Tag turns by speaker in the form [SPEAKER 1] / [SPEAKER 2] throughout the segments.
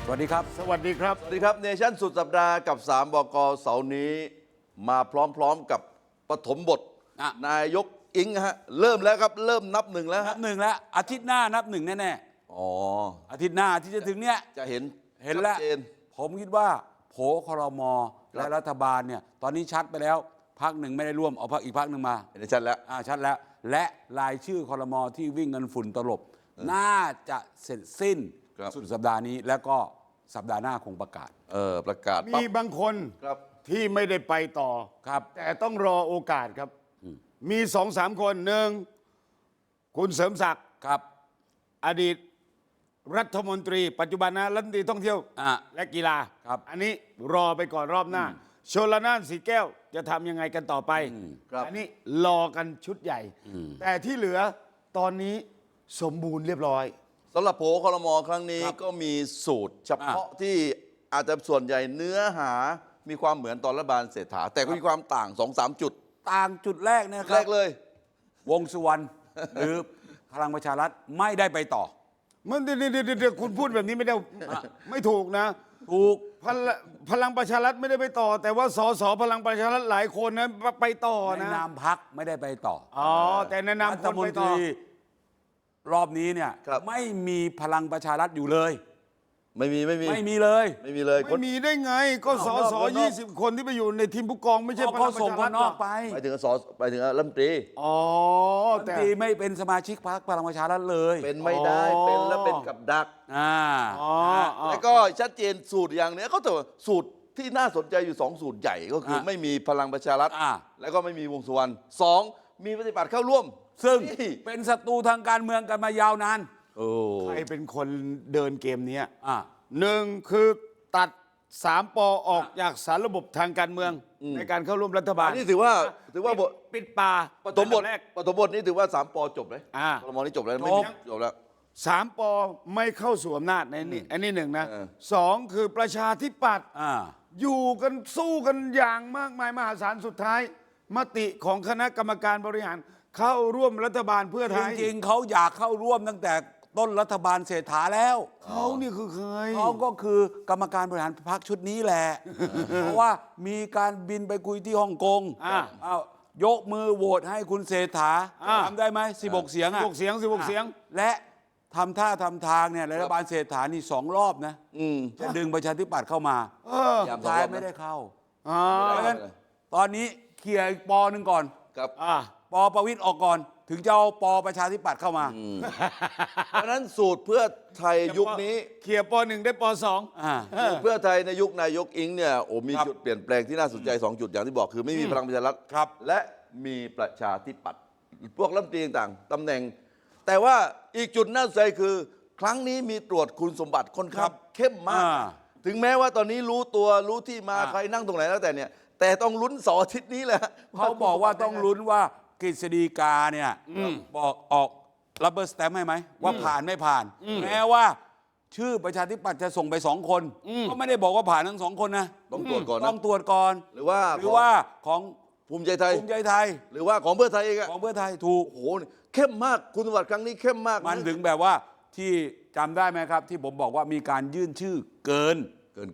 [SPEAKER 1] สวัสดีครับ
[SPEAKER 2] สวัสดีครับ
[SPEAKER 3] สวัสดีครับเนชั่นสุดสัปดาห์กับ3 บก.เสาร์นี้มาพร้อมๆกับปฐมบทนายกอิงฮะเริ่มแล้วครับเริ่มนับหนึ่งแล้ว
[SPEAKER 1] นับหนึ่งแล้วอาทิตย์หน้านับหนึ่งแน่
[SPEAKER 3] ๆอ๋อ
[SPEAKER 1] อาทิตย์หน้าที่จะถึงเนี้ย
[SPEAKER 3] จะเห็น
[SPEAKER 1] แล้วผมคิดว่าโผครม.และรัฐบาลเนี่ยตอนนี้ชัดไปแล้วพรรคหนึ่งไม่ได้ร่วมเอาพรรคอีกพรรคหนึ่งมา
[SPEAKER 3] เห็นชัดแล้ว
[SPEAKER 1] ชัดแล้วและรายชื่อครม.ที่วิ่งกันฝุ่นตลบน่าจะเสร็จสิ้นสุดสัปดาห์นี้แล้วก็สัปดาห์หน้าคงประกาศ
[SPEAKER 3] ประกาศ
[SPEAKER 2] มีบางคนที่ไม่ได้ไปต่อ
[SPEAKER 1] ครับ
[SPEAKER 2] แต่ต้องรอโอกาสครับมี2-3 คนหนึ่งคุณเสริมศักดิ์
[SPEAKER 1] ครับ
[SPEAKER 2] อดีตรัฐมนตรีปัจจุบันนะรัฐมนตรีท่องเที่ยวและกีฬา
[SPEAKER 1] ครับ
[SPEAKER 2] อันนี้รอไปก่อนรอบหน้าชลน่านสีแก้วจะทำยังไงกันต่อไปอันนี้รอกันชุดใหญ่แต่ที่เหลือตอนนี้สมบูรณ์เรียบร้อย
[SPEAKER 3] สำหรับโผครม.ครั้งนี้ก็มีสูตรเฉพาะที่อาจจะส่วนใหญ่เนื้อหามีความเหมือนตอนรัฐบาลเศรษฐาแต่ก็มีความต่าง 2-3 จุด
[SPEAKER 1] ต่างจุดแรกนะครับ
[SPEAKER 3] แรกเลยว
[SPEAKER 1] งสุวรรณหรือพลังประชารัฐไม่ได้ไปต่อ
[SPEAKER 2] มันเดี๋ยวคุณพูดแบบนี้ไม่ได้ไม่ถูกนะ
[SPEAKER 1] ถูก
[SPEAKER 2] พลังประชารัฐไม่ได้ไปต่อแต่ว่าสสพลังประชารัฐหลายคนนะไปต่อนะ
[SPEAKER 1] ในนามพรรคไม่ได้ไปต่อ
[SPEAKER 2] แต่ในนามคนไปต่อ
[SPEAKER 1] รอบนี้เนี่ยไม่มีพลังประชารัฐอยู่เลย
[SPEAKER 3] ไม่มีเลย
[SPEAKER 1] ไม่มี
[SPEAKER 2] ได้ไงก็สส20 คนที่ไปอยู่ในทีมผู้กองไม่ใช่พลังประชารัฐ
[SPEAKER 1] นอกไป
[SPEAKER 3] ไปถึงรัฐมนตรี
[SPEAKER 1] แต่ไม่เป็นสมาชิกพรรคพลังประชารัฐเลย
[SPEAKER 3] เป็นไม่ได้เป็นแล้วเป็นกับดักแล้วก็ชัดเจนสูตรอย่างนี้เขาแต่สูตรที่น่าสนใจอยู่2 สูตรใหญ่ก็คือไม่มีพลังประชารัฐแล้วก็ไม่มีวงสุวรรณ2มีปฏิบัติเข้าร่วม
[SPEAKER 1] ซึ่งเป็นศัตรูทางการเมืองกันมายาวนาน
[SPEAKER 2] ใครเป็นคนเดินเกมนี้หนึ่งคือตัด3 ป.ออกจากสารระบบทางการเมืองในการเข้าร่วมรัฐบาล
[SPEAKER 3] นี่ถือว่า
[SPEAKER 2] ปิดป่า
[SPEAKER 3] ปฐมบทนี้ถือว่า3 ป.จบเลยครม.นี้จบแล้วไม่จบแล้ว
[SPEAKER 2] 3 ป.ไม่เข้าสู่อำนาจในนี่อันนี้1นะ2คือประชาธิปัตย์อยู่กันสู้กันอย่างมากมายมหาศาลสุดท้ายมติของคณะกรรมการบริหารเข้าร่วมรัฐบาลเพื่อไทย
[SPEAKER 1] จริงๆเขาอยากเข้าร่วมตั้งแต่ต้นรัฐบาลเศรษฐาแล้ว
[SPEAKER 2] เขานี่คือใคร
[SPEAKER 1] เขาก็คือกรรมการบริหารพรรคชุดนี้แหละเพราะว่ามีการบินไปคุยที่ฮ่องกงยกมือโหวตให้คุณเศรษฐาทำได้ไหม16 เสียง
[SPEAKER 2] 16 เสียง
[SPEAKER 1] และทำท่าทำทางเนี่ยรัฐบาลเศรษฐานี่2 รอบนะจะดึงประชาธิปัตย์เข้ามาท้ายไม่ได้เข้าเพราะฉะนั้นตอนนี้เคลียร์ป.หนึ่งก่อนป.ประวิตรออกก่อนถึงจะเอาป.ประชาธิปัตย์เข้ามา
[SPEAKER 3] เพราะนั้นสูตรเพื่อไทยยุคนี้
[SPEAKER 2] เคลียร์ป.1ได้ป.2
[SPEAKER 3] เพื่อไทยในยุคนายกอิงเนี่ยมีจุดเปลี่ยนแปลงที่น่าสนใจ2 จุดอย่างที่บอกคือไม่มีพลังประชารัฐและมีประชาธิปัตย์พวกรัฐมนตรีต่างๆตำแหน่งแต่ว่าอีกจุดน่าสนใจคือครั้งนี้มีตรวจคุณสมบัติค่อนข้างเข้มมากถึงแม้ว่าตอนนี้รู้ตัวรู้ที่มาใครนั่งตรงไหนแล้วแต่เนี่ยแต่ต้องลุ้น2 อาทิตย์นี้แหละ
[SPEAKER 1] เขาบอกว่าต้องลุ้นว่ากฤษฎีกาเนี่ยบอกออกรับเบอร์สแตมป์ให้ไหมว่าผ่านไม่ผ่านแม้ว่าชื่อประชาธิปัตย์จะส่งไป2 คนก็ไม่ได้บอกว่าผ่านทั้ง2 คนนะ
[SPEAKER 3] ต้องตรวจก่อน
[SPEAKER 1] ต้องตรวจก่อน
[SPEAKER 3] หรือว่า
[SPEAKER 1] ของ
[SPEAKER 3] ภูมิใจไทยหรือว่าของเพื่อไทยเอง
[SPEAKER 1] ของเพื่อไทยถูก
[SPEAKER 3] โอ้โหเข้มมากคุณสมบัติครั้งนี้เข้มมาก
[SPEAKER 1] มันถึงแบบว่าที่จำได้ไหมครับที่ผมบอกว่ามีการยื่นชื่อเกิน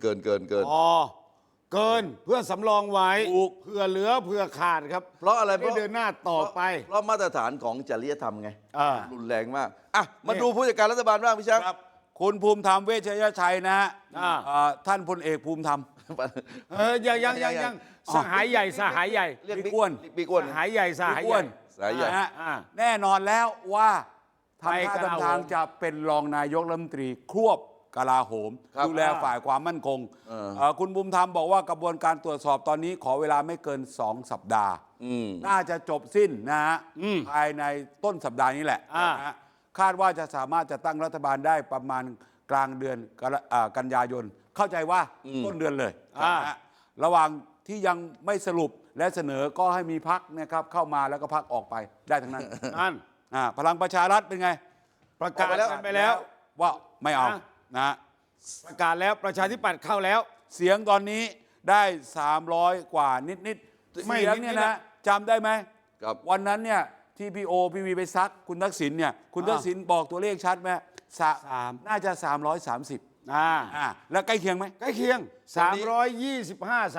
[SPEAKER 2] เพื่อสำรองไว้เพื่อเหลือเพื่อขาดครับ
[SPEAKER 3] เพราะอะไร
[SPEAKER 2] ไม่เดินหน้าต่อไป
[SPEAKER 3] เพราะมาตรฐานของจริยธรรมไงรุนแรงมากมาดูผู้จัดการรัฐบาลบ้างพี่ช้าง
[SPEAKER 1] คุณภูมิธรรมเวชยชัยนะฮะท่านพลเอกภูมิธรรม
[SPEAKER 2] ยังสหายใหญ่
[SPEAKER 3] เรียกบิ๊กอ้วน
[SPEAKER 2] สหายใหญ่
[SPEAKER 1] แน่นอนแล้วว่าทำท่าทางจะเป็นรองนายกรัฐมนตรีควบกลาโหมดูแลฝ่ายความมั่นคงคุณบุญธรรมบอกว่ากระบวนการตรวจสอบตอนนี้ขอเวลาไม่เกิน2 สัปดาห์น่าจะจบสิ้นนะฮะภายในต้นสัปดาห์นี้แหละคาดว่าจะสามารถจะตั้งรัฐบาลได้ประมาณกลางเดือนกันยายนเข้าใจว่าต้นเดือนเลยระหว่างที่ยังไม่สรุปและเสนอก็ให้มีพรรคนะครับเข้ามาแล้วก็พรรคออกไปได้ทั้งนั้นพลังประชารัฐเป็นไง
[SPEAKER 2] ประกาศไปแล้ว
[SPEAKER 1] ว่าไม่เอา
[SPEAKER 2] ประกาศแล้วประชาธิปัตย์เข้าแล้ว
[SPEAKER 1] เสียงตอนนี้ได้300 กว่านิดเสียงเนี่ยนะจำได้ไหมวันนั้นเนี่ยที่พี่วีไปซักคุณทักษิณเนี่ยคุณทักษิณบอกตัวเลขชัดไหมน่าจะ330 แล้วใกล้เคียงไหม
[SPEAKER 2] ใกล้เคียง 325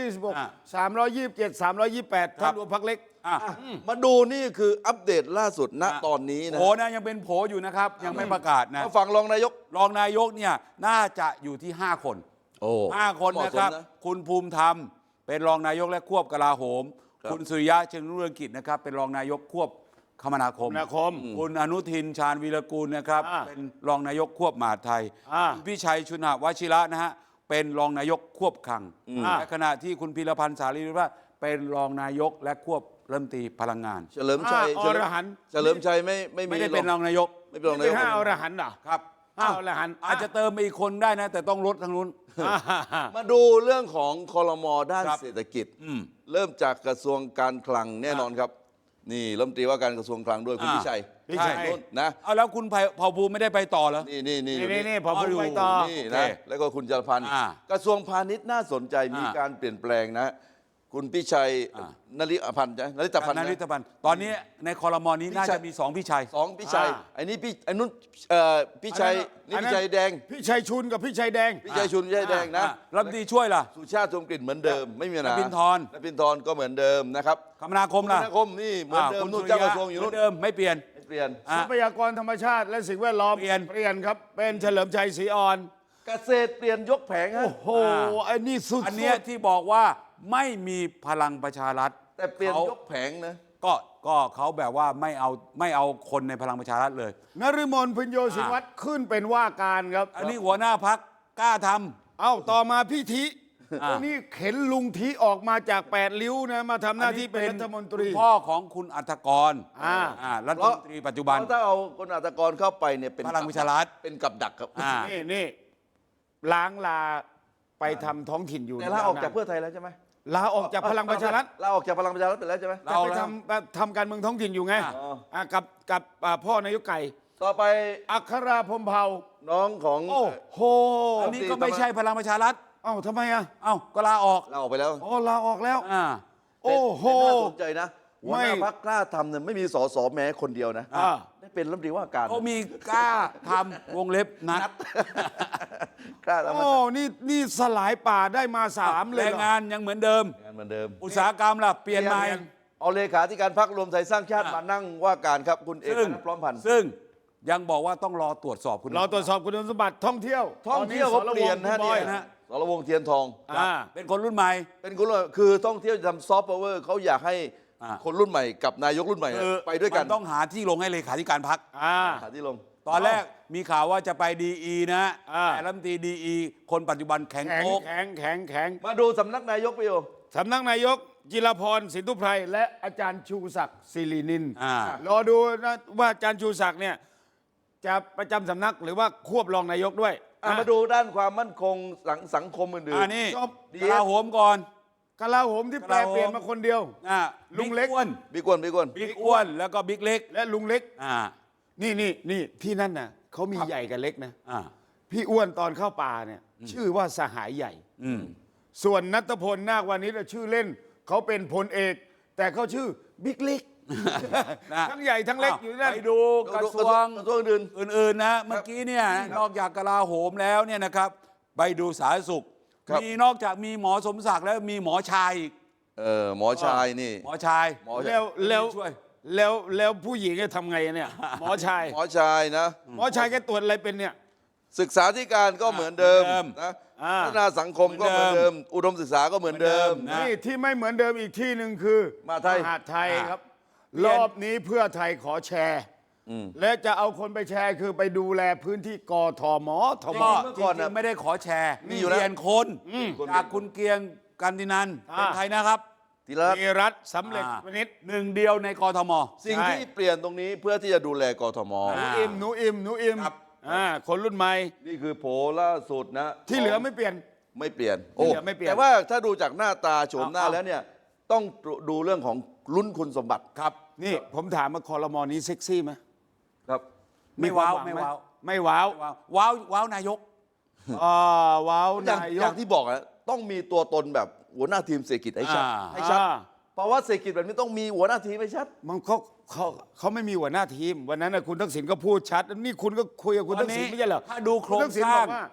[SPEAKER 2] 326 327 328 ถ้ารวมพรรคเล็ก
[SPEAKER 3] มาดูนี่คืออัปเดตล่าสุดณตอนนี้นะ
[SPEAKER 1] โผนะยังเป็นโผอยู่นะครับ ยังไม่ประกาศนะ
[SPEAKER 3] มาฟังรองนายก
[SPEAKER 1] รองนายกเนี่ยน่าจะอยู่ที่ 5 คน
[SPEAKER 3] โอ้
[SPEAKER 1] 5 คน
[SPEAKER 3] เหมาะ
[SPEAKER 1] นะ
[SPEAKER 3] สม
[SPEAKER 1] ครับ
[SPEAKER 3] นะ
[SPEAKER 1] คุณภูมิธรรมเป็นรองนายกและควบกลาโหม
[SPEAKER 3] ครับ
[SPEAKER 1] คุณสุริยะจึงรุ่งเรืองกิจนะครับเป็นรองนายกควบคมนาคม คุณอนุทินชาญวีรกูลนะครับเป็นรองนายกควบมหาดไทยคุณพิชัยชุนหวชิระนะฮะเป็นรองนายกควบคลังในขณะที่คุณพีรพันธ์สารีรัตน์เป็นรองนายกและควบรัฐมนตรีพลังงาน
[SPEAKER 3] เฉลิมชัย
[SPEAKER 2] อรหันต์
[SPEAKER 3] เฉลิมชัยไม่
[SPEAKER 1] ไม่ได้เป็นรองนายก
[SPEAKER 3] ไม่เป็นรองนา
[SPEAKER 2] เป็
[SPEAKER 3] ย
[SPEAKER 2] น
[SPEAKER 3] ก
[SPEAKER 2] 5 อรหันต์เหรอ
[SPEAKER 1] ครับ
[SPEAKER 2] 5 อรหันต์
[SPEAKER 1] อาจจะเติมไปอีกคนได้นะ แต่ต้องลดทางนู้น
[SPEAKER 3] มาดูเรื่องของคอรมอด้าน
[SPEAKER 1] ครับ
[SPEAKER 3] เศรษฐกิจ เริ่มจากกระทรวงการคลังแน่นอนครับ นี่รัฐมนตรีว่าการกระทรวงคลังด้วยคุณพิชัย
[SPEAKER 2] พิชัย
[SPEAKER 3] นู่นนะ
[SPEAKER 1] เอาแล้วคุณเผ่าภูมิไม่ได้ไปต่อเหรอ
[SPEAKER 3] นี่อยู่
[SPEAKER 2] นี่พอพูดไปต่อ
[SPEAKER 3] นี่
[SPEAKER 1] โอเค
[SPEAKER 3] นะแล้วก็คุณจรพันธ์ กระทรวงพาณิชย์น่าสนใจมีการเปลี่ยนแปลงนะ คุณพิชัยนริพันธ์ใช่ไหมนริตพันธ์
[SPEAKER 1] นา
[SPEAKER 3] นะ
[SPEAKER 1] ริตพันธ์ตอนนี้ในคอรมอนี้น่าจะมี2พี่ชัย
[SPEAKER 3] สองพิชัยไอ้นี่พี่ไอ้นุ่นพิชัยนี่พิชัยแดง
[SPEAKER 2] พี่ชัยชุนกับพี่ชัยแดง
[SPEAKER 3] พิชัยชุนพิชัยแดงนะ
[SPEAKER 1] รัฐมนตรีช่วยล่ะ
[SPEAKER 3] สุชาติชมกลิ่นเหมือนเดิมไม่มีปัญหาน
[SPEAKER 1] พินทร
[SPEAKER 3] นพินทรก็เหมือนเดิมนะครับ
[SPEAKER 1] คมนาคมล่ะ
[SPEAKER 3] คมนาคมนี่เหมือนเดิม
[SPEAKER 1] คุณ
[SPEAKER 3] นู่น
[SPEAKER 1] สุ
[SPEAKER 3] เจ้า
[SPEAKER 1] ริ
[SPEAKER 3] ก
[SPEAKER 1] ยะ
[SPEAKER 3] ระทรวงอยู่
[SPEAKER 1] เหมื
[SPEAKER 3] นู่
[SPEAKER 1] อน นเดิมไม่เปลี่ยน
[SPEAKER 3] ไม่เปลี่ยน
[SPEAKER 2] ทรัพยากรธรรมชาติและสิ่งแวดล้อม
[SPEAKER 1] เปลี่ยน
[SPEAKER 2] เปลี่ยนครับเป็นเฉลิมชัยศรีอ่อน
[SPEAKER 3] เกษตรเปลี่ยนยกแผงฮะ
[SPEAKER 2] โอ้โหไอ้นี่สุด
[SPEAKER 1] อันเนี้ยที่บอกว่าไม่มีพลังประชารัฐ
[SPEAKER 3] แต่เปลี่ยน
[SPEAKER 1] เขา
[SPEAKER 3] ยกแผงนะ
[SPEAKER 1] ก็เขาแบบว่าไม่เอาคนในพลังประชารัฐเลย
[SPEAKER 2] นฤมลพิญโยสินวัตรขึ้นเป็นว่าการครับ
[SPEAKER 1] อันนี้หัวหน้าพักกล้าทำ
[SPEAKER 2] เอ้าต่อมาพี่ทิอันนี้เข็นลุงทิออกมาจาก8ริ้วนะมาทำหน้าที่เป็นรัฐมนตรี
[SPEAKER 1] คุณพ่อของคุณอัฐกร รัฐมนตรีปัจจุบัน
[SPEAKER 3] เพราะถ้าเอาคนอัตกรเข้าไปเนี่ยเป็น
[SPEAKER 1] พลังประชารัฐ
[SPEAKER 3] เป็นกับดักครับ
[SPEAKER 2] นี่ล้างลาไปทำท้องถิ่นอยู่
[SPEAKER 3] แต่ลาออกจากเพื่อไทยแล้วใช่ไหม
[SPEAKER 2] ลาออกจากพลังประชารัฐ
[SPEAKER 3] ลาออกจากพลังประชารัฐไปแล้วใช่ไหม
[SPEAKER 2] แต่ไปทำการเมืองท้องถิ่นอยู่ไงกับพ่อนายกไก่
[SPEAKER 3] ต่อไป
[SPEAKER 2] อัคราพรหมเผ่า
[SPEAKER 3] น้องของ
[SPEAKER 2] โอ้โห
[SPEAKER 1] อันนี้ก็ไม่ใช่พลังประชารัฐ
[SPEAKER 2] เอ้าทำไมอ่ะ
[SPEAKER 1] เอ้าก็ลาออก
[SPEAKER 3] ลาออกไปแล้ว
[SPEAKER 2] อ๋อลาออกแล้ว
[SPEAKER 1] อ่า
[SPEAKER 2] โอ้โห
[SPEAKER 3] แต่น่าสนใจนะหัวหน้า
[SPEAKER 2] ไม่
[SPEAKER 3] พรรคกล้าทำเนี่ยไม่มีสสแม้คนเดียวนะ
[SPEAKER 2] อ่า
[SPEAKER 3] ได้เป็นรัฐมนตรีว่าการ
[SPEAKER 1] เขามีกล้าทำวงเล็บนัด
[SPEAKER 3] กล้าทำ
[SPEAKER 2] โอ้นี่สลายป่าได้มา3เลย
[SPEAKER 1] แรง
[SPEAKER 2] เหรอ
[SPEAKER 1] งานยังเหมือนเดิม
[SPEAKER 3] งานเหมือนเดิม
[SPEAKER 1] อุตสาหกรรมล่ะเปลี่ยนใหม่
[SPEAKER 3] เอาเลขาธิการพรรครวมไทยสร้างชาติมานั่งว่าการครับคุณเอก
[SPEAKER 1] ซึ่ง
[SPEAKER 3] นัทพร้อมพันธ์
[SPEAKER 1] ซึ่งยังบอกว่าต้องรอตรวจสอบคุณ
[SPEAKER 2] เราตรวจสอบคุณสมบัติท่องเที่ยว
[SPEAKER 3] ท่องเที่ยวเขาเปลี่ยน
[SPEAKER 2] ตอ
[SPEAKER 3] นะ
[SPEAKER 2] สรวงศ์คุณบอย
[SPEAKER 3] เนี่ยสรวงศ์เทียนทอง
[SPEAKER 1] เป็นคนรุ่นใหม่
[SPEAKER 3] เป็นคนรุ่นคือท่องเที่ยวจะทำซอฟต์พาวเวอร์เขาอยากให้
[SPEAKER 1] อ่า
[SPEAKER 3] คนรุ่นใหม่กับนายกรุ่นใหม่
[SPEAKER 1] คือ
[SPEAKER 3] ไปด้วยกัน
[SPEAKER 1] มันต้องหาที่ลงให้เลขาธิการพัก
[SPEAKER 3] หาที่ลง
[SPEAKER 1] ตอนแรกมีข่าวว่าจะไปดีอีนะ
[SPEAKER 2] อ่า
[SPEAKER 1] แต่รัฐมนตรีดีอีคนปัจจุบันแข็ง
[SPEAKER 2] แข็ง
[SPEAKER 1] โป๊ก
[SPEAKER 2] แข็งแข็งแข็ง
[SPEAKER 3] มาดูสำนักนายกไปอยู่
[SPEAKER 2] สำนักนายกจิรพรสินธุไพรและอาจารย์ชูศักดิ์ศิรินิน
[SPEAKER 1] อ่าร
[SPEAKER 2] อดูนะว่าอาจารย์ชูศักดิ์เนี่ยจะประจำสำนักหรือว่าควบรองนายกด้วย
[SPEAKER 3] มาดูด้านความมั่นคงสังคมอื่น
[SPEAKER 1] นี่
[SPEAKER 2] จบ
[SPEAKER 1] กลาโหมก่อน
[SPEAKER 2] กลาโหมที่แปลเปลี่ยนมาคนเดียว ลุงเล็ก
[SPEAKER 1] บิ๊อ้วน
[SPEAKER 3] ๆบิ๊กอ้วน
[SPEAKER 1] บิ๊กอ้วนแล้วก็บิ๊กเล็ก
[SPEAKER 2] และลุงเล็ก
[SPEAKER 1] อ่า
[SPEAKER 2] นี่ที่นั่นน่ะเขามีใหญ่กับเล็กนะ
[SPEAKER 1] อ่า
[SPEAKER 2] พี่อ้วนตอนเข้าป่าเนี่ยชื่อว่าสหายใหญ่
[SPEAKER 1] อืม
[SPEAKER 2] ส่วนนัทพลนาควานิชชื่อเล่นเขาเป็นพลเอก แต่เขาชื่อบิ๊กเล็ก
[SPEAKER 1] นะ
[SPEAKER 2] ทั้งใหญ่ทั้งเล็กอยู่นั่น
[SPEAKER 1] ไปดูกระทรวง
[SPEAKER 3] กระทรวงอื่น
[SPEAKER 1] อื่นๆนะเมื่อกี้เนี่ยนอกจากกลาโหมแล้วเนี่ยนะครับไปดูสาธารณสุข
[SPEAKER 3] ครับ
[SPEAKER 1] มีนอกจากมีหมอสมศักดิ์แล้วมีหมอชายอีก
[SPEAKER 3] หมอชายนี่
[SPEAKER 1] หมอชาย
[SPEAKER 3] หมอ
[SPEAKER 2] แล้ว
[SPEAKER 1] ช่วย
[SPEAKER 2] แล้วผู้หญิงจะทำไงเนี่ยหมอชาย
[SPEAKER 3] หมอชายนะ
[SPEAKER 2] หมอชายแกตรวจอะไรเป็นเนี่ย
[SPEAKER 3] ศึกษาธิการก็เหมือนเดิม
[SPEAKER 1] เหมือนเดิม
[SPEAKER 3] นะ
[SPEAKER 2] อ่า
[SPEAKER 3] พัฒนาสังคมก็เหมือนเดิม อุดมศึกษาก็เหมือนเดิม
[SPEAKER 1] เหมือนเดิมนะ
[SPEAKER 2] นี่ที่ไม่เหมือนเดิมอีกที่หนึ่งคือ
[SPEAKER 3] มหาดไทย
[SPEAKER 2] หาดไทยครับ
[SPEAKER 1] เรียน
[SPEAKER 2] รอบนี้เพื่อไทยขอแชร์ และจะเอาคนไปแชร์คือไปดูแลพื้นที่กทมทม
[SPEAKER 1] ก็
[SPEAKER 3] เมื่อก่อน
[SPEAKER 1] จริ
[SPEAKER 3] น่ะ
[SPEAKER 1] งๆไม่ได้ขอแชร์
[SPEAKER 3] มีอยู่แล้ว
[SPEAKER 1] เปลี่ยนคนจากคุณเกรียงกันตินันเป็นใครนะครับ
[SPEAKER 3] ทีละ
[SPEAKER 2] มีรัฐสำเร็จวณิช
[SPEAKER 1] หนึ่งเดียวในกทม
[SPEAKER 3] สิ่ง
[SPEAKER 2] ใช่
[SPEAKER 3] ที่เปลี่ยนตรงนี้เพื่อที่จะดูแลกทม
[SPEAKER 1] อ่า
[SPEAKER 2] หนูอิม
[SPEAKER 1] ครับ
[SPEAKER 2] คนรุ่นใหม่
[SPEAKER 3] นี่คือโผล่ล่าสุดนะ
[SPEAKER 2] ที่เหลือไม่เปลี่ยน
[SPEAKER 3] ไม่เปลี่ยน
[SPEAKER 2] ที่เหลือไม่เปลี่ยน
[SPEAKER 3] แต่ว่าถ้าดูจากหน้าตาโฉมหน้า
[SPEAKER 1] เอา
[SPEAKER 3] แล้วเนี่ยต้องดูเรื่องของลุ้นคุณสมบัติ
[SPEAKER 1] ครับ
[SPEAKER 2] นี่ผมถามมาคอรมอนี้เซ็กซี่ไหม
[SPEAKER 3] ครับ
[SPEAKER 1] ไม่ว้าว
[SPEAKER 2] ควหง
[SPEAKER 1] ไม่
[SPEAKER 2] ห
[SPEAKER 1] ว้าว
[SPEAKER 2] ไม่ว้าว
[SPEAKER 1] ว้าวนายก
[SPEAKER 2] ว้าว
[SPEAKER 3] อย่าง
[SPEAKER 2] นาย
[SPEAKER 3] อก ย่างที่บอกนะต้องมีตัวตนแบบหัวหน้าทีมเศรษฐกิจให้ชัด
[SPEAKER 1] อ่า
[SPEAKER 3] ให้ชัด
[SPEAKER 2] อ่า
[SPEAKER 3] เพราะว่าเศรษฐกิจแบบนี้ต้องมีหัวหน้าทีมให้ชัด
[SPEAKER 2] มันเขาไม่มีหัวหน้าทีม วันนั้นนะคุณทักษิณก็พูดชัด นี่คุณก็คุยกับคุณทักษิณไม่ใช่เหรอ
[SPEAKER 1] ถ้าดูโครง
[SPEAKER 2] ณทักษิณ
[SPEAKER 1] สร้าง
[SPEAKER 2] บอกว่า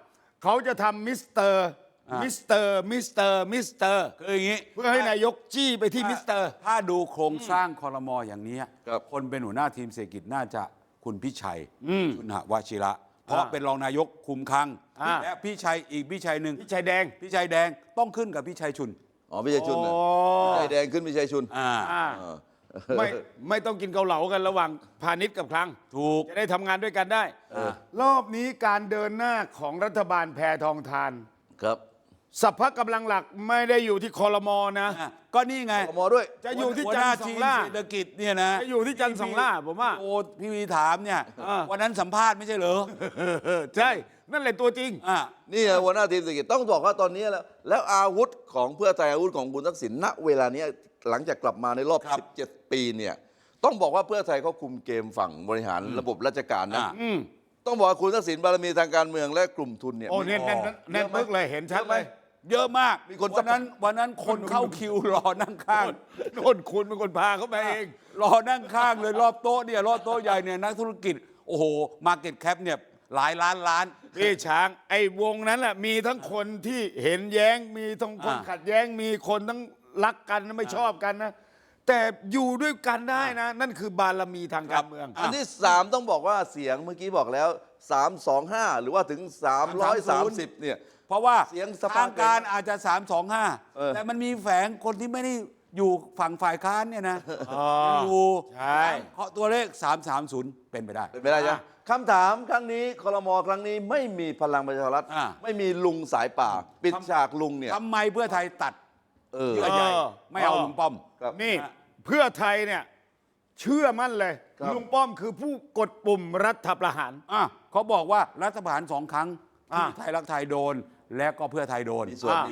[SPEAKER 2] เขาจะทำมิสเตอร์
[SPEAKER 1] คืออย่างนี้
[SPEAKER 2] เพื่อให้นายกจี้ไปที่มิสเตอร์
[SPEAKER 1] ถ้าดูโครงสร้างคอรมออย่างนี้
[SPEAKER 3] ครับ
[SPEAKER 1] คนเป็นหัวหน้าทีมเศรษฐกิจน่าจะคุณพิชัยชุนหวชิระ เพราะเป็นรองนายกคุมคลัง และพี่ชัยอีกพี่ชัยหนึ่ง
[SPEAKER 2] พี่ชายแดง
[SPEAKER 1] พี่ชัยแดงต้องขึ้นกับพี่ชัยชุน
[SPEAKER 3] อ๋อไม่ใช่ชุนนะ
[SPEAKER 2] อ๋อ
[SPEAKER 3] ใจแดงขึ้นไม่ใช่ชุน
[SPEAKER 1] อ่า
[SPEAKER 2] อ่า
[SPEAKER 3] เออ
[SPEAKER 2] ไม่ต้องกินเกาเหลากันระหว่างพาณิชย์กับคลัง
[SPEAKER 1] ถูก
[SPEAKER 2] จะได้ทำงานด้วยกันได้ รอบนี้การเดินหน้าของรัฐบาลแพทองทาน
[SPEAKER 3] ครับ
[SPEAKER 2] สัพพะกำลังหลักไม่ได้อยู่ที่คอรมอนะ
[SPEAKER 1] ก็นี่ไง
[SPEAKER 3] กมด้วย
[SPEAKER 2] จะอยู่ที่
[SPEAKER 1] หัว
[SPEAKER 2] จั
[SPEAKER 1] ห
[SPEAKER 2] น
[SPEAKER 1] น้า
[SPEAKER 2] ทร์สอ
[SPEAKER 1] ที
[SPEAKER 2] ง
[SPEAKER 1] ม
[SPEAKER 2] ล่า
[SPEAKER 1] เศรษฐกิจเนี่ยนะ
[SPEAKER 2] จะอยู่ที่จันทร์สองล่าผมว่า
[SPEAKER 1] โอ้พี่วีถามเนี่ย
[SPEAKER 2] อ่า
[SPEAKER 1] วันนั้นสัมภาษณ์ไม่ใช่เหรอ
[SPEAKER 2] ใช่นั่นแหละตัวจริง
[SPEAKER 1] อ่า
[SPEAKER 3] นี่ไงหัวหน้าทีมเศรษฐกิจต้องบอกว่าตอนนี้แล้วอาวุธของเพื่อไทยอาวุธของคุณทักษิณณเวลานี้หลังจากกลับมาในรอบ
[SPEAKER 1] ครับ
[SPEAKER 3] 17 ปีเนี่ยต้องบอกว่าเพื่อไทยเขาคุมเกมฝั่งบริหารระบบราชการนะ
[SPEAKER 1] อ่า
[SPEAKER 3] ต้องบอกว่าคุณทักษิณบารมีทางการเมืองและกลุ่มทุนเนี่ย
[SPEAKER 2] โอ้แน่นแน่นแน่นปึ๊กเลยเห็นชัดเลย
[SPEAKER 1] เยอะมาก
[SPEAKER 3] มีคน
[SPEAKER 1] วันนั้นคนเข้าคิวรอนั่งข้าง
[SPEAKER 2] โน่นคุณเป็นคนพาเขาไปเอง
[SPEAKER 1] รอนั่งข้างเลยรอบโต๊ะเนี่ยรอบโต๊ะใหญ่เนี่ยนักธุรกิจ โอ้โหมาเก็ตแคปเนี่ยหลายล้าน
[SPEAKER 2] พี่ช้างไอ้วงนั้นแหละมีทั้งคนที่เห็นแย้งมีทั้งคนขัดแย้งมีคนทั้งรักกันไม่ชอบกันนะ แต่อยู่ด้วยกันได้นะ นั่นคือบารมีทางการเมือง
[SPEAKER 3] อันที่ 3 ต้องบอกว่าเสียงเมื่อกี้บอกแล้ว 325 หรือว่าถึง 330 เนี่ย
[SPEAKER 1] เพราะว่า
[SPEAKER 3] เสียงสภา
[SPEAKER 1] ทางการ
[SPEAKER 3] เกิน
[SPEAKER 1] อาจจะ 325 แต่มันมีแฝงคนที่ไม่ได้อยู่ฝั่งฝ่ายค้านเนี่ยนะอยู่
[SPEAKER 2] ใช่
[SPEAKER 1] เพราะตัวเลข 330 เป็นไปได้
[SPEAKER 3] เป็นไปได้ใช่ไหมคำถามครั้งนี้ครมครั้งนี้ไม่มีพลังประชารัฐ
[SPEAKER 1] อ่า
[SPEAKER 3] ไม่มีลุงสายป่า ปิดฉากลุงเนี่ย
[SPEAKER 1] ทำไมเพื่อไทยตัด
[SPEAKER 3] เออ
[SPEAKER 1] เยื่อใยไม่เอาลุงป้อม
[SPEAKER 3] ครับ
[SPEAKER 2] นี่เพื่อไทยเนี่ยเชื่อมั่นเลย
[SPEAKER 3] ครับ
[SPEAKER 2] ลุงป้อมคือผู้กดปุ่มรัฐประหาร
[SPEAKER 1] เขาบอกว่ารัฐประหาร2 ครั้ง
[SPEAKER 2] อ่า
[SPEAKER 1] ที่ไทยรักไทยโดน และก็เพื่อไทยโดน
[SPEAKER 3] มีส่วน
[SPEAKER 1] ปี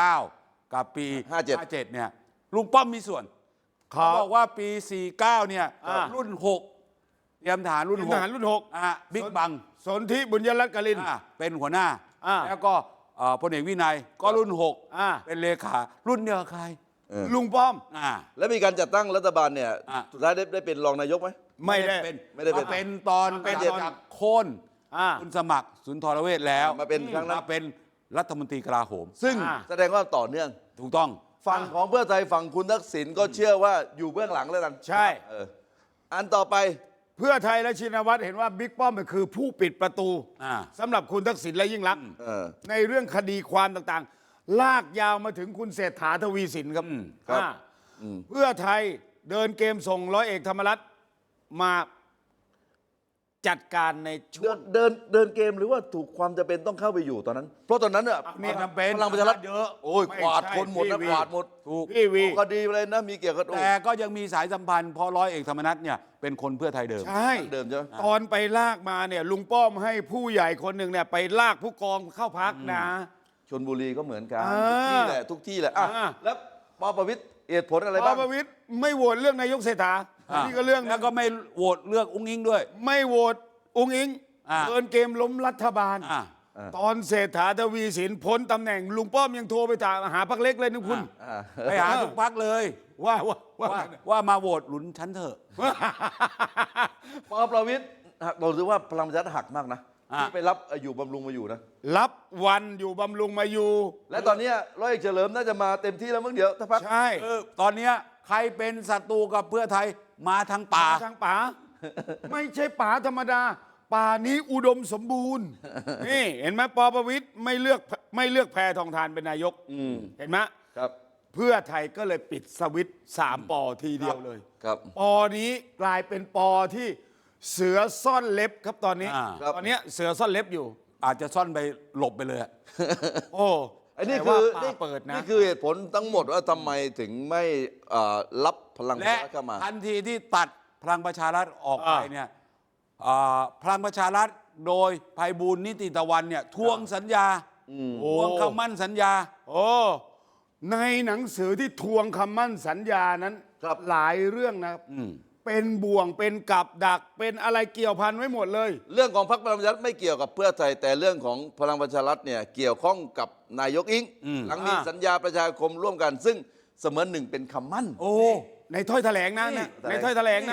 [SPEAKER 1] 49 กับปี
[SPEAKER 3] 57
[SPEAKER 1] 57 เนี่ยลุงป้อมมีส่วน เขาบอกว่าปี 49 เนี่ย รุ่น 6 เตรียมทหารรุ่น
[SPEAKER 2] ทหารรุ่นหก
[SPEAKER 1] บิ๊กบัง
[SPEAKER 2] สนธิบุญยรัตน์กลิน
[SPEAKER 1] เป็นหัวหน้า
[SPEAKER 2] อ่า
[SPEAKER 1] แล้วก็พลเอกวินัยก็รุ่น
[SPEAKER 2] อ่า
[SPEAKER 1] 6 เป็นเลขารุ่นเดียวกับใคร
[SPEAKER 2] ลุงป้อม
[SPEAKER 3] แล้วมีการจัดตั้งรัฐบาลเนี่ย
[SPEAKER 1] อ่า
[SPEAKER 3] สุดท้ายได้เป็นรองนายกไหม
[SPEAKER 2] ไม่ได้
[SPEAKER 1] เป็น
[SPEAKER 3] ไม่ได้เป็น
[SPEAKER 1] มาเป็นตอน
[SPEAKER 2] เป็น
[SPEAKER 1] จากโค่น
[SPEAKER 2] อ่า
[SPEAKER 1] คุณสมัครสุนทรเวชแล้ว
[SPEAKER 3] มาเป็นครั้งนั้น
[SPEAKER 1] มาเป็นรัฐมนตรีกลาโหม
[SPEAKER 3] ซึ่ง
[SPEAKER 2] อ่า
[SPEAKER 3] แสดงว่าต่อเนื่อง
[SPEAKER 1] ถูกต้อง
[SPEAKER 3] ฝั่งของเพื่อไทยฝั่งคุณทักษิณก็เชื่อว่าอยู่เบื้องหลังแล้วกัน
[SPEAKER 2] ใช่
[SPEAKER 3] เอออันต่อไป
[SPEAKER 2] เพื่อไทยและชินวัตรเห็นว่าบิ๊กป้อมคือผู้ปิดประตู
[SPEAKER 1] อ่า
[SPEAKER 2] สำหรับคุณทักษิณและยิ่งรักษณ์
[SPEAKER 3] เออ
[SPEAKER 2] ในเรื่องคดีความต่างๆ ลากยาวมาถึงคุณเศรษฐาทวีสินครับ
[SPEAKER 3] ครับ
[SPEAKER 2] เพื่อไทยเดินเกมส่งร้อยเอกธรรมรัฐมาจัดการในช่วง
[SPEAKER 3] เดินเกมหรือว่าถูกความจำเป็นต้องเข้าไปอยู่ตอนนั้น เพราะตอนนั้นเนี่ย
[SPEAKER 1] นี่จำเป็น
[SPEAKER 3] พลังประชารัฐ
[SPEAKER 1] เยอะ
[SPEAKER 3] โอ้ย
[SPEAKER 2] ไม่
[SPEAKER 3] กวาด
[SPEAKER 2] ใช่
[SPEAKER 3] คนหมดนะ
[SPEAKER 2] พี่วี
[SPEAKER 3] กวาดหมด
[SPEAKER 1] ถูก
[SPEAKER 2] พี่วี
[SPEAKER 3] คดีอะไรนะมีเกี่ยวกับโอ้
[SPEAKER 1] แต่ก็ยังมีสายสัมพันธ์เพราะร้อยเอกธรรมนัฐเนี่ยเป็นคนเพื่อไทยเดิม
[SPEAKER 2] ใช่
[SPEAKER 3] เดิมใช่ไหม
[SPEAKER 2] ตอนไปลากมาเนี่ยลุงป้อมให้ผู้ใหญ่คนหนึ่งเนี่ยไปลากผู้กองเข้าพักนะ
[SPEAKER 3] ชลบุรีก็เหมือนกัน
[SPEAKER 2] อ่า
[SPEAKER 3] ทุกที่แหละทุกที่แหละอ่ะ
[SPEAKER 2] อ่า
[SPEAKER 3] แล้วปประวิตรเหตุผลอะไร
[SPEAKER 2] ป
[SPEAKER 3] บ้าง
[SPEAKER 2] ประวิตรไม่โหวตเรื่องนายกเศรษฐานี่ก็เรื่องหนึ่ง
[SPEAKER 1] แล้วก็ไม่โหวตเลือกอุ้งอิงด้วย
[SPEAKER 2] ไม่โหวตองค์อิง
[SPEAKER 1] อ่า
[SPEAKER 2] เดินเกมล้มรัฐบาล
[SPEAKER 1] อ่า
[SPEAKER 2] ตอนเศรษฐาทวีสินพ้นตำแหน่งลุงป้อมยังโทรไปหาพรรคเล็กเลยนะคุณ
[SPEAKER 3] อ่า
[SPEAKER 1] ไปหาทุกพักเลย
[SPEAKER 2] ว่า
[SPEAKER 1] ว่ามาโหวตหลุนฉันเถอะ
[SPEAKER 3] ปประวิตรเราถือว่าพลังประชารัฐหักมากนะ
[SPEAKER 1] อ่า
[SPEAKER 3] ที่ไปรับอยู่บำรุงมาอยู่นะ
[SPEAKER 2] รับวันอยู่บำรุงมาอยู่
[SPEAKER 3] และตอนเนี้ยร้อยเอกเฉลิมน่าจะมาเต็มที่แล้วมั้งเดี๋ยวถ้าพัก
[SPEAKER 2] ใช่
[SPEAKER 1] ตอนเนี้ยใครเป็นศัตรูกับเพื่อไทยมาทางป่า
[SPEAKER 2] ทางป่า ไม่ใช่ป่าธรรมดา ป่านี้อุดมสมบูรณ์ นี่เห็นไหมปประวิตรไม่เลือกแพทองทานเป็นนายกเห็นไหม
[SPEAKER 3] ครับ
[SPEAKER 2] เพื่อไทยก็เลยปิดสวิตช์3 ปอทีเดียวเลย
[SPEAKER 3] ครับ
[SPEAKER 2] ปอนี้กลายเป็นปอที่เสือซ่อนเล็บครับตอนนี้
[SPEAKER 3] ครับ
[SPEAKER 2] ตอนนี้เสือซ่อนเล็บอยู่
[SPEAKER 1] อาจจะซ่อนไปหลบไปเลยอะ
[SPEAKER 2] โอ้
[SPEAKER 3] อันนี้
[SPEAKER 2] แต่
[SPEAKER 3] คื
[SPEAKER 2] ว่า
[SPEAKER 3] อ
[SPEAKER 2] ป่าเปิดนะ
[SPEAKER 3] นี่คือเหตุผลทั้งหมดว่าทำไมถึงไม่รับพลังประ
[SPEAKER 1] และ
[SPEAKER 3] ชารัฐเข้ามา
[SPEAKER 1] ทันทีที่ตัดพลังประชารัฐออกไปเนี่ยพลังประชารัฐโดยไพบูลย์นิติตะวันเนี่ยทวงสัญญาทวงคำมั่นสัญญา
[SPEAKER 2] โอ้ในหนังสือที่ทวงคำมั่นสัญญานั้น
[SPEAKER 3] ครับ
[SPEAKER 2] หลายเรื่องนะครับเป็นบ่วงเป็นกับดักเป็นอะไรเกี่ยวพันไว้หมดเลย
[SPEAKER 3] เรื่องของพรรคพลังประชารัฐไม่เกี่ยวกับเพื่อไทยแต่เรื่องของพลังประชารัฐเนี่ยเกี่ยวข้องกับนายกอิงหลังมีสัญญาประชาคมร่วมกัน ซึ่งเสมือนหนึ่งเป็นคำมั่น
[SPEAKER 1] โอ้
[SPEAKER 2] ในถ้อยแถลงนะ
[SPEAKER 1] นี่
[SPEAKER 2] ในถ้อยแถลงนะ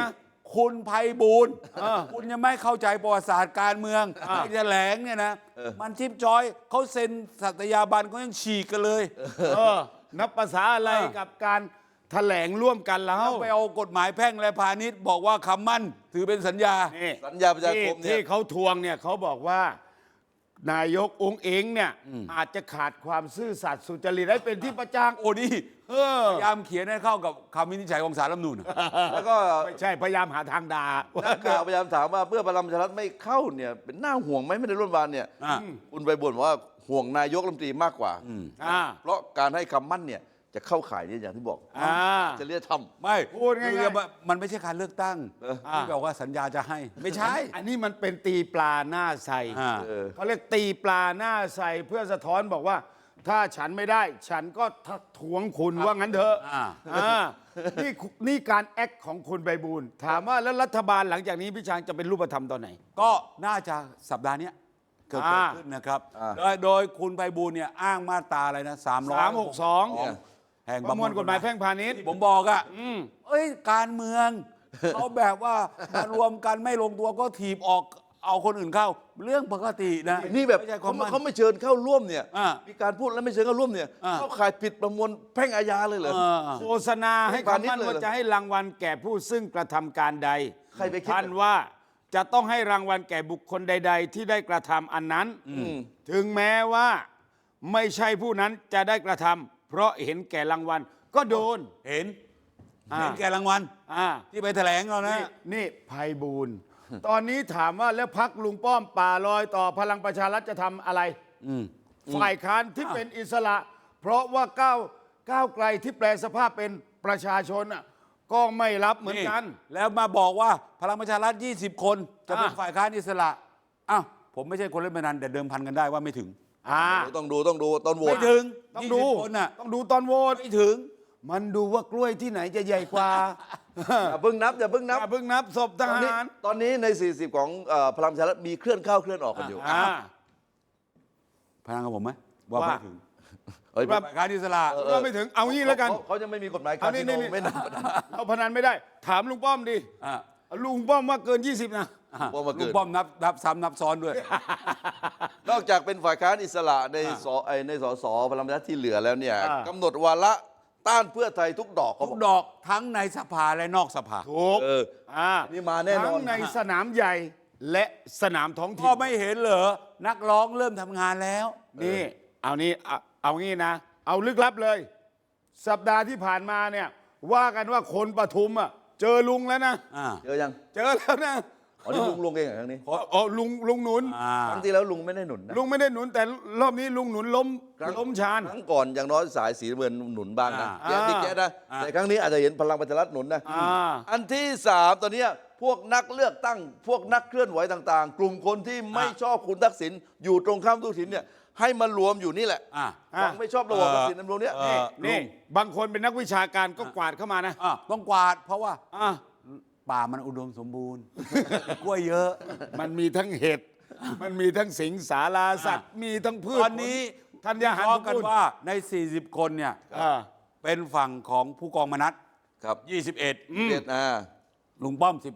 [SPEAKER 1] คุณไพบูลย์คุณยังไม่เข้าใจประวัติศาสตร์การเมืองไอ้แถลงเนี่ยนะมันชิปจอยเขาเซ็นสัตยาบันเขายังฉีกกันเลย
[SPEAKER 2] นับภาษาอะไรกับการแถลงร่วมกันแล้ว
[SPEAKER 1] ไปเอากฎหมายแพ่งและพาณิชย์บอกว่าคำมั่นถือเป็นสัญญา
[SPEAKER 2] นี่
[SPEAKER 3] สัญญาประชาคมเนี่ย
[SPEAKER 2] ที่เขาทวงเนี่ยเขาบอกว่า นายกองค์เองเนี่ยอาจจะขาดความซื่อสัตย์สุจริตให้เป็นที่ประจักษ์
[SPEAKER 1] โอ้นี่พยายามเขียนให้เข้ากับคำวินิจฉัยของศาลรัฐธรรมนูญ
[SPEAKER 3] แล้วก็
[SPEAKER 2] ไม่ใช่พยายามหาทางด่า
[SPEAKER 3] นักข่าวพยายามถามว่าเพื่อพลังประชารัฐไม่เข้าเนี่ยเป็นน่าห่วงไหมไม่ได้ร่วมวานเนี่ยคุณไปบ่นว่าห่วงนายกรัฐมนตรีมากกว่า เพราะการให้คำมั่นเนี่ยจะเข้าข่ายเนี่ยอย่างที่บอกจะเรียกทำ
[SPEAKER 1] ไม่
[SPEAKER 2] พูดง่ายๆ
[SPEAKER 1] คือมันไม่ใช่การเลือกตั้งที่บอกว่าสัญญาจะให้ไม่ใช่
[SPEAKER 2] อันนี้มันเป็นตีปลาหน้าใส เขาเรียกตีปลาหน้าใสเพื่อสะท้อนบอกว่า ถ้าฉันไม่ได้ ฉันก็ทักท้วงคุณว่างั้นเถอะนี่การแอคของคุณไพบูลย์ถามว่าแล้วรัฐบาลหลังจากนี้พี่ช้างจะเป็นรูปธรรมตอนไหน
[SPEAKER 1] ก็น่าจะสัปดาห์เนี้ยเกิดขึ้นนะครับโดยคุณไพบูลย์เนี่ยอ้างมาตราอะไรนะ
[SPEAKER 2] 362
[SPEAKER 1] แห่ง
[SPEAKER 2] ประมวลกฎหมายแพ่งพาณิชย์
[SPEAKER 1] ที่ผมบอกอ่ะเอ้ยการเมือง เขาแบบว่ามารวมกันไม่ลงตัวก็ถีบออกเอาคนอื่นเข้าเรื่องปกตินะ
[SPEAKER 3] นี่แบบ
[SPEAKER 1] ไม่ใช่ความมั่น
[SPEAKER 3] เขาไม่เชิญเข้าร่วมเนี่ย
[SPEAKER 1] อ่า
[SPEAKER 3] มีการพูดแล้วไม่เชิญเข้าร่วมเนี่ยเข้าข่ายผิดประมวลแพ่งอาญาเลยเหรอ
[SPEAKER 2] โฆษณาให้คำมั่นว่าจะให้รางวัลแก่ผู้ซึ่งกระทำการใด
[SPEAKER 3] ใครไปคิด
[SPEAKER 2] ท่านว่าจะต้องให้รางวัลแก่บุคคลใด ๆ ที่ได้กระทำอันนั้นถึงแม้ว่าไม่ใช่ผู้นั้นจะได้กระทำเพราะเห็นแก่รางวัลก็โดน
[SPEAKER 1] เห็นแก่รางวัลที่ไปแถลงเรานะ
[SPEAKER 2] นี่ไพบูลย์ตอนนี้ถามว่าแล้วพักลุงป้อมป่าลอยต่อพลังประชารัฐจะทำอะไรฝ่ายค้านที่เป็นอิสระ เพราะว่าก้าวไกลที่แปลสภาพเป็นประชาชนก็ไม่รับเหมือนกัน
[SPEAKER 1] แล้วมาบอกว่าพลังประชารัฐ20 คนจะเป็นฝ่ายค้านอิสระอ้าวผมไม่ใช่คนเล่นพนันแต่เดิมพันกันได้ว่าไม่ถึง
[SPEAKER 3] ต้องดูตอนโหว
[SPEAKER 1] ไม่
[SPEAKER 3] ต
[SPEAKER 1] ถึง
[SPEAKER 2] ต้องดู
[SPEAKER 1] 20 คนน่ะ
[SPEAKER 2] ต้องดูตอนโหวต
[SPEAKER 1] ไม่ถึง
[SPEAKER 2] มันดูว่ากล้วยที่ไหนจะใหญ่กว่า
[SPEAKER 3] อย่าเพิ่งนับ
[SPEAKER 2] อย่าเพิ่งนับศพทหาร
[SPEAKER 3] ตอนนี้ใน 40 ของพลังประชารัฐมีเคลื่อนเข้าเคลื่อนออกกันอยู่
[SPEAKER 1] พนันกับผมไหมว่าไม่ถึง
[SPEAKER 3] เฮ้ย
[SPEAKER 1] ฝ่ายค้านอิสระ
[SPEAKER 2] เราไม่ถึงเอางี้แล้วกัน
[SPEAKER 3] เขายังไม่มีกฎหมาย
[SPEAKER 2] เอา
[SPEAKER 3] คาสิโน
[SPEAKER 2] นี่
[SPEAKER 3] ไม่นับ
[SPEAKER 2] เอาพนันไม่ได้ ถามลุงป้อมดิ
[SPEAKER 1] อ่า
[SPEAKER 2] ลุงป้อมว่าเกิน 20 นะ
[SPEAKER 3] ป้อมมาเกิน
[SPEAKER 1] ลุงป้อมนับซ้ำนับซ้อนด้วย
[SPEAKER 3] นอกจากเป็นฝ่ายค้านอิสระในสสพลังประชารัฐที่เหลือแล้วเนี่ยกำหนดวาระต้านเพื่อไทยทุกดอกเขา
[SPEAKER 1] ทุ
[SPEAKER 3] บ
[SPEAKER 1] ก
[SPEAKER 3] อก
[SPEAKER 1] ดอกทั้งในสภาและนอกสภา
[SPEAKER 2] ถูก
[SPEAKER 3] นี่มาแน่นอน
[SPEAKER 2] ทั้งในสนามใหญ่และสนามท้องถิ่
[SPEAKER 1] ก็
[SPEAKER 2] น
[SPEAKER 1] ไม่เห็นเหรอนักร้องเริ่มทำงานแล้ว
[SPEAKER 2] นี่เอางี้นะ เอาลึกลับเลย สัปดาห์ที่ผ่านมาเนี่ยว่ากันว่าคนปทุมเจอลุงแล้วนะ
[SPEAKER 3] เจอยัง
[SPEAKER 2] เจอแล้วนะ
[SPEAKER 3] อ๋อนี่ลุงเองเหรอครั้งนี้
[SPEAKER 2] อ๋อลุงหนุน
[SPEAKER 3] ครั้งที่แล้วลุงไม่ได้หนุนนะ
[SPEAKER 2] ลุงไม่ได้หนุนแต่รอบนี้ลุงหนุนล้มชาน
[SPEAKER 3] ครั้งก่อนอย่างน้อยสายสีน้ำเงินหนุนบ้างนะ
[SPEAKER 2] อ่า
[SPEAKER 3] ติ๊กแจ๊ดนะแต่ครั้งนี้อาจจะเห็นพลังประชารัฐหนุนนะ
[SPEAKER 2] อ่า
[SPEAKER 3] อันที่3ตอนเนี้ยพวกนักเลือกตั้ง พวกนักเคลื่อนไหวต่างๆ กลุ่มคนที่ไม่ชอบคุณทักษิณอยู่ตรงข้ามทักษิณเนี่ยให้มารวมอยู่นี่แหละฝั่งไม่ชอบระบอบทักษิณในตรงเนี้ย
[SPEAKER 2] นี่บางคนเป็นนักวิชาการก็กวาดเข้ามานะ
[SPEAKER 1] ต้องกวาดเพราะว่าป่ามันอุดมสมบูรณ์ กล้วยเยอะ
[SPEAKER 2] มันมีทั้งเห็ด มันมีทั้งสิงสาราสัตว์ มีทั้งพืช
[SPEAKER 1] ตอนนี้
[SPEAKER 2] ธัญญาหาร
[SPEAKER 1] ล้อกันว่าใน 40 คนเนี่ยเป็นฝั่งของผู้กองมนัส
[SPEAKER 3] ครับ
[SPEAKER 1] 21
[SPEAKER 3] เวียดนาม
[SPEAKER 1] ลุงป้อม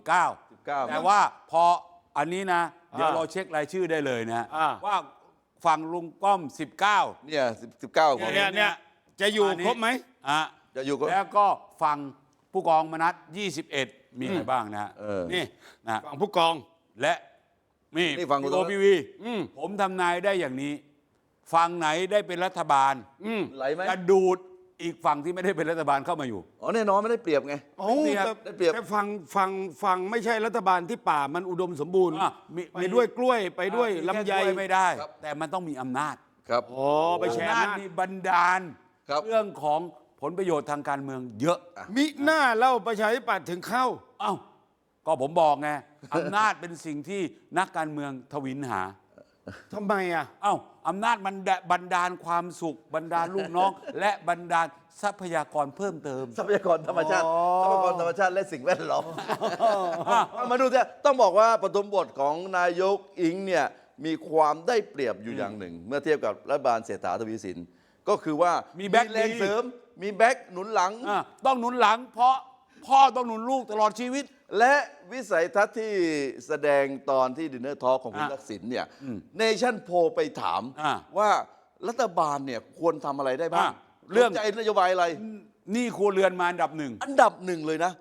[SPEAKER 1] 19 แต่ว่าพออันนี้นะ เดี๋ยวเราเช็ครายชื่อได้เลยนะว่าฝั่งลุงป้อม 19
[SPEAKER 3] เนี่ย19คน
[SPEAKER 2] เนี่ยจะอยู่ครบไหม
[SPEAKER 3] จะอยู่ก็
[SPEAKER 1] แล้วก็ฝั่งผู้กองมนัส21 มีใครบ้างนะ
[SPEAKER 2] นี่
[SPEAKER 1] นะ
[SPEAKER 2] ฝั่งผู้กอง
[SPEAKER 1] และนี่
[SPEAKER 3] ฝั่ง
[SPEAKER 1] โอพีวีผมทำนายได้อย่างนี้ ฝั่งไหนได้เป็นรัฐบาล
[SPEAKER 3] ไหลไหม
[SPEAKER 1] จะดูดอีกฝั่งที่ไม่ได้เป็นรัฐบาลเข้ามาอยู่
[SPEAKER 3] อ๋อแน่นอนไม่ได้เปรียบไง
[SPEAKER 2] โอ้
[SPEAKER 3] ได้เปรียบ
[SPEAKER 2] แต่ฝั่งไม่ใช่รัฐบาลที่ป่ามันอุดมสมบูรณ์
[SPEAKER 1] มี
[SPEAKER 2] ไปด้วยกล้วยไปด้วยลำไย
[SPEAKER 1] แค่กวไม่ได้ แต่มันต้องมีอำนาจ
[SPEAKER 3] ครับ
[SPEAKER 2] อ๋อไปแชร์
[SPEAKER 1] อำนาจ
[SPEAKER 2] อำนาจ
[SPEAKER 1] นี่บันดาล
[SPEAKER 3] ครับ
[SPEAKER 1] เรื่องของผลประโยชน์ทางการเมืองเยอะ
[SPEAKER 2] มิหน้าเล่าประชาธิปัตย์ถึงเข้า
[SPEAKER 1] เอ้าก็ผมบอกไง อำนาจเป็นสิ่งที่นักการเมืองทวินหา
[SPEAKER 2] ทำไมอ่ะ
[SPEAKER 1] เอ้าอำนาจมันบันดาลความสุขบันดาลลูกน้อง และบันดาลทรัพยากรเพิ่มเติม
[SPEAKER 3] ทรัพยากรธรรมชาติทรัพยากรธรรมชาติและสิ่งแวดล้อมมาดูเถอะต้องบอกว่าปฐมบทของนายกอิงเนี่ยมีความได้เปรียบอยู่อย่างหนึ่ง เมื่อเทียบกับรัฐบาลเศรษฐาทวีสินก็คือว่า
[SPEAKER 1] มีแบ็ค
[SPEAKER 3] แรง
[SPEAKER 1] ดี
[SPEAKER 3] เสริมมีแบ็คหนุนหลัง
[SPEAKER 1] ต้องหนุนหลังเพราะพ่อต้องหนุนลูกตลอดชีวิต
[SPEAKER 3] และวิสัยทัศน์ที่แสดงตอนที่ดินเนอร์ทอล์กของคุณทักษิณเนี่ยเนชั่นโพลไปถามว่ารัฐบาลเนี่ยควรทำอะไรได้บ้างเรื่องใจนโยบายอะไร
[SPEAKER 1] หนี่ครัวเรือนมาอันดับหนึ่ง
[SPEAKER 3] อันดับหนึ่งเลยนะ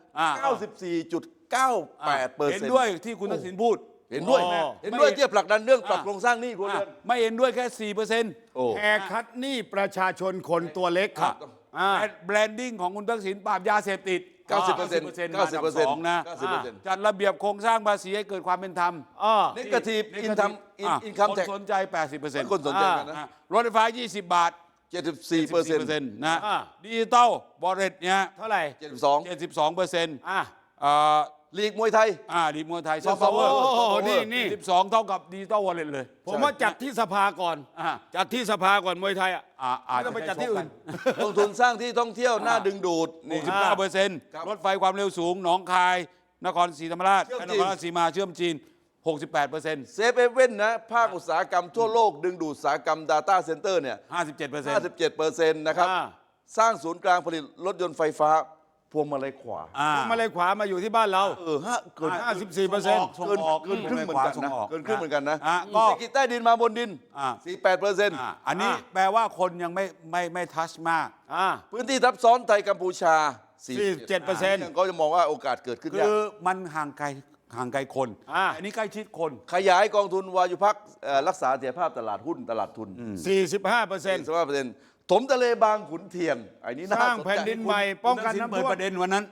[SPEAKER 3] 94.98%
[SPEAKER 1] เห็นด้วยที่คุณทักษิณพูด
[SPEAKER 3] เห็นด้วย
[SPEAKER 2] อ๋อ
[SPEAKER 3] เห็นด้วยที่จะผลักดันเรื่องปรับโครงสร้างหนี้ครัวเรือน
[SPEAKER 1] ไม่เห็นด้วยแค่ 4%
[SPEAKER 3] โอ้
[SPEAKER 2] แอร์คัดหนี้ประชาชนคนตัวเล็กครับอ่า
[SPEAKER 1] แบรนดิ้งของคุณทักษิณปราบยาเสพติด
[SPEAKER 3] 90%
[SPEAKER 1] มาอันดับสองนะ
[SPEAKER 3] 90%
[SPEAKER 1] จัดระเบียบโครงสร้างภาษีให้เกิดความเป็นธรรม
[SPEAKER 3] นิเกทีฟอินคัม
[SPEAKER 1] คน
[SPEAKER 3] แท็ก
[SPEAKER 1] สนใจ 80%
[SPEAKER 3] คนสนใจกันนะ
[SPEAKER 1] รถไฟฟ้า 20 บาท
[SPEAKER 3] 74%
[SPEAKER 1] นะดิจิตอลบอลเรตเนี่ย
[SPEAKER 2] เท่าไหร่
[SPEAKER 3] 72
[SPEAKER 1] 72%
[SPEAKER 2] อ่า
[SPEAKER 3] ลีกมวยไทย
[SPEAKER 1] ดีมวยไทยซอฟต์พาวเวอร์
[SPEAKER 2] โอ้โหนี่
[SPEAKER 1] 12 เท่ากับดิจิตอลวอลเล็ตเลย
[SPEAKER 2] ผมว่าจัดที่สภาก่อน
[SPEAKER 1] อ่า
[SPEAKER 2] จัดที่สภาก่อนมวยไทยอ่ะ
[SPEAKER 1] อาจ
[SPEAKER 2] ไม่ต้องไปจัดที่อื่น
[SPEAKER 3] ลงทุนสร้างที่ท่องเที่ยวน่าดึงดูดนี่
[SPEAKER 1] 69%รถไฟความเร็วสูงหนองคาย นครศรีธรรมราช
[SPEAKER 3] เชื่อม
[SPEAKER 1] น
[SPEAKER 3] จีน
[SPEAKER 1] ครราชสีมาเชื่อมจีน 68%
[SPEAKER 3] เซฟเอเว่นนะภาคอุตสาหกรรมทั่วโลกดึงดูดอุตสาหกรรม Data Center เนี่ย
[SPEAKER 1] 57%
[SPEAKER 3] 57%นะครับ
[SPEAKER 2] อ่า
[SPEAKER 3] สร้างศูนย์กลางผลิตรถยนต์ไฟฟ้าพวงมาลัยขวา
[SPEAKER 2] มาเลยขวามาอยู่ที่บ้านเรา
[SPEAKER 3] เกิน
[SPEAKER 2] 54%
[SPEAKER 1] ส่งออก
[SPEAKER 3] เกินครึ่งเหมือนกันนะเกินครึ่งเหมือนกันนะ
[SPEAKER 1] ก็
[SPEAKER 3] เศรษฐกิจใต้ดินมาบนดิน 48%
[SPEAKER 1] อันนี้แปลว่าคนยังไม่ทัชมาก
[SPEAKER 3] พื้นที่ทับซ้อนไทยกัมพูชา
[SPEAKER 2] 47%
[SPEAKER 3] ยังก็จะมองว่าโอกาสเกิดขึ้น
[SPEAKER 1] คื
[SPEAKER 3] ยาก
[SPEAKER 1] อมันห่างไกลคน อันนี้ใกล้ชิดคน
[SPEAKER 3] ขยายกองทุนวายุพักรักษาเสถียรภาพตลาดหุ้นตลาดทุน
[SPEAKER 2] 45%
[SPEAKER 3] ถมทะเลบางขุนเทียนไอ้นี้
[SPEAKER 2] ส
[SPEAKER 3] น่า
[SPEAKER 2] ร้าง
[SPEAKER 3] สน
[SPEAKER 2] แผ่น
[SPEAKER 3] ใจ
[SPEAKER 2] ดินใหม่ป้องกัน
[SPEAKER 1] คุณทักษิณ
[SPEAKER 2] น้ำ
[SPEAKER 1] เปิด
[SPEAKER 2] ท่วม
[SPEAKER 1] ประเด็นวันนั้น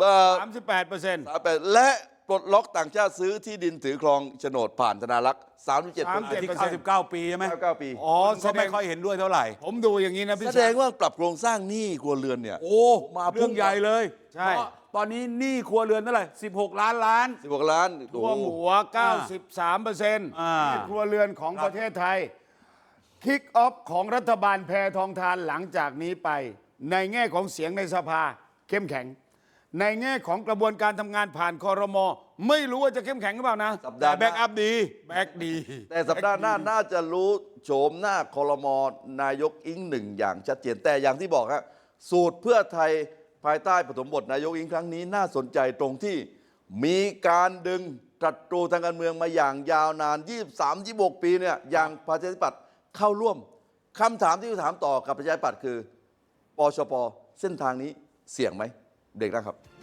[SPEAKER 2] 38%
[SPEAKER 3] และปลดล็อกต่างชาติซื้อที่ดินถือครองโฉนดผ่านธนารักษ์ 37%
[SPEAKER 1] ที่99 ปีใช่ไหม
[SPEAKER 3] 99 ปี
[SPEAKER 2] อ๋อ
[SPEAKER 1] คนก็ไม่ค่อยเห็นด้วยเท่าไหร่
[SPEAKER 2] ผมดูอย่างนี้นะพี่
[SPEAKER 3] แสดงว่าปรับโครงสร้างหนี้ครัวเรือนเนี่ย
[SPEAKER 1] โอ้
[SPEAKER 3] มา
[SPEAKER 1] เรื่องใหญ่เลย
[SPEAKER 2] ใช่
[SPEAKER 1] เพราะตอนนี้หนี้ครัวเรือนเท่าไหร่16 ล้าน
[SPEAKER 3] 16 ล้าน
[SPEAKER 2] ท่วมหัว 93% ที่ครัวเรือนของประเทศไทย คิกออฟของรัฐบาลแพทองทานหลังจากนี้ไป ในแง่ของเสียงในสภาเข้มแข็ง ในแง่ของกระบวนการทำงานผ่านคอรมอไม่รู้ว่าจะเข้มแข็งหรือเปล่านะ
[SPEAKER 3] สัป
[SPEAKER 1] แต่
[SPEAKER 3] ดาห์ห
[SPEAKER 1] แบ็ก
[SPEAKER 3] น้า
[SPEAKER 1] อัพดี
[SPEAKER 2] แบ็กดี
[SPEAKER 3] แต่สัปดาห์หน้าน่าจะรู้โฉมหน้าคอรมอนายกอิงหนึ่งอย่างชัดเจนแต่อย่างที่บอกฮะสูตรเพื่อไทยภายใต้ปฐมบทนายกอิงครั้งนี้น่าสนใจตรงที่มีการดึงตรัตรูทางการเมืองมาอย่างยาวนาน 23-26 ปีเนี่ยอย่างประชาธิปัตย์เข้าร่วมคำถามที่ถามต่อกับประชาธิปัตย์คือปชปเส้นทางนี้เสี่ยงไหมเด็กนะครับ